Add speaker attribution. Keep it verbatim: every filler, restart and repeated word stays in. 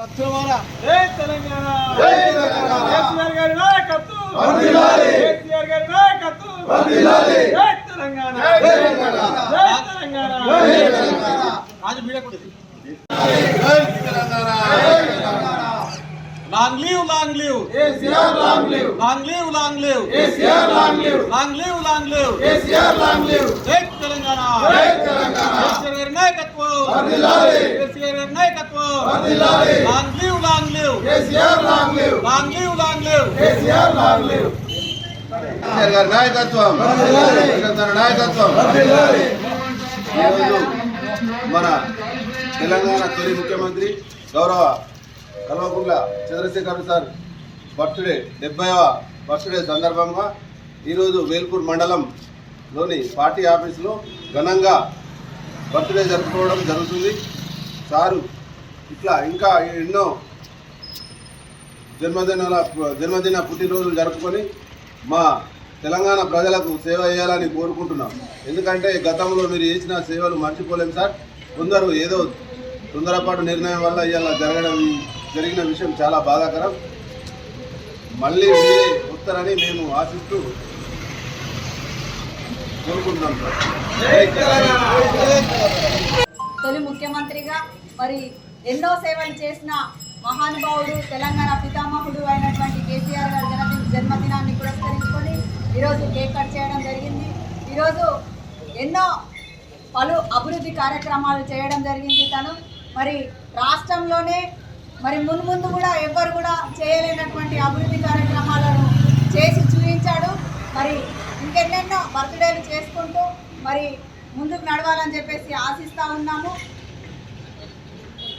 Speaker 1: జై తెలంగాణ కేసీఆర్ గారి నాయకత్వం వర్ధిల్లాలి కేసీఆర్ గారి నాయకత్వం వర్ధిల్లాలి జై తెలంగాణ జై తెలంగాణ జై తెలంగాణ జై తెలంగాణ రాజు మీడియా కొట్టేది జై తెలంగాణ జై Telangana long live long live KCR long live long live long live KCR long live long live long live KCR long live జై తెలంగాణ జై తెలంగాణ కేసీఆర్ గారి నాయకత్వం వర్ధిల్లాలి కేసీఆర్ గారి నాయకత్వం వర్ధిల్లాలి long live long live KCR long live long live long live KCR long live KCR గారి నాయకత్వం వర్ధిల్లాలి కేసీఆర్ నాయకత్వం వర్ధిల్లాలి ఈరోజు మన తెలంగాణ తొలి ముఖ్యమంత్రి గౌరవ కల్వకుంట్ల చంద్రశేఖర్ సార్ బర్త్డే డెబ్బైవ బర్త్డే సందర్భంగా ఈరోజు వేల్పూర్ మండలంలోని పార్టీ ఆఫీసులో ఘనంగా బర్త్డే జరుపుకోవడం జరుగుతుంది. సారు ఇట్లా ఇంకా ఎన్నో జన్మదినాల జన్మదిన పుట్టినరోజులు జరుపుకొని మా తెలంగాణ ప్రజలకు సేవ చేయాలని కోరుకుంటున్నాం. ఎందుకంటే గతంలో మీరు చేసిన సేవలు మర్చిపోలేము సార్. కొందరు ఏదో తొందరపాటు నిర్ణయం వల్ల ఇలా జరగడం జరిగిన విషయం చాలా బాధాకరం. మళ్ళీ మీరే వస్తారని మేము ఆశిస్తూ కోరుకుంటున్నాం సార్.
Speaker 2: తొలి ముఖ్యమంత్రిగా మరి ఎన్నో సేవలు చేసిన మహానుభావుడు తెలంగాణ పితామహుడు అయినటువంటి కేసీఆర్ గారి జన్మదిన జన్మదినాన్ని పురస్కరించుకొని ఈరోజు కేక్ కట్ చేయడం జరిగింది. ఈరోజు ఎన్నో పలు అభివృద్ధి కార్యక్రమాలు చేయడం జరిగింది. తను మరి రాష్ట్రంలోనే మరి మున్ముందు కూడా ఎవ్వరు కూడా చేయలేనటువంటి అభివృద్ధి కార్యక్రమాలను చేసి చూపించాడు. మరి ఇంకెన్నెన్నో బర్త్డేలు చేసుకుంటూ మరి ముందుకు నడవాలని చెప్పేసి ఆశిస్తూ ఉన్నాము.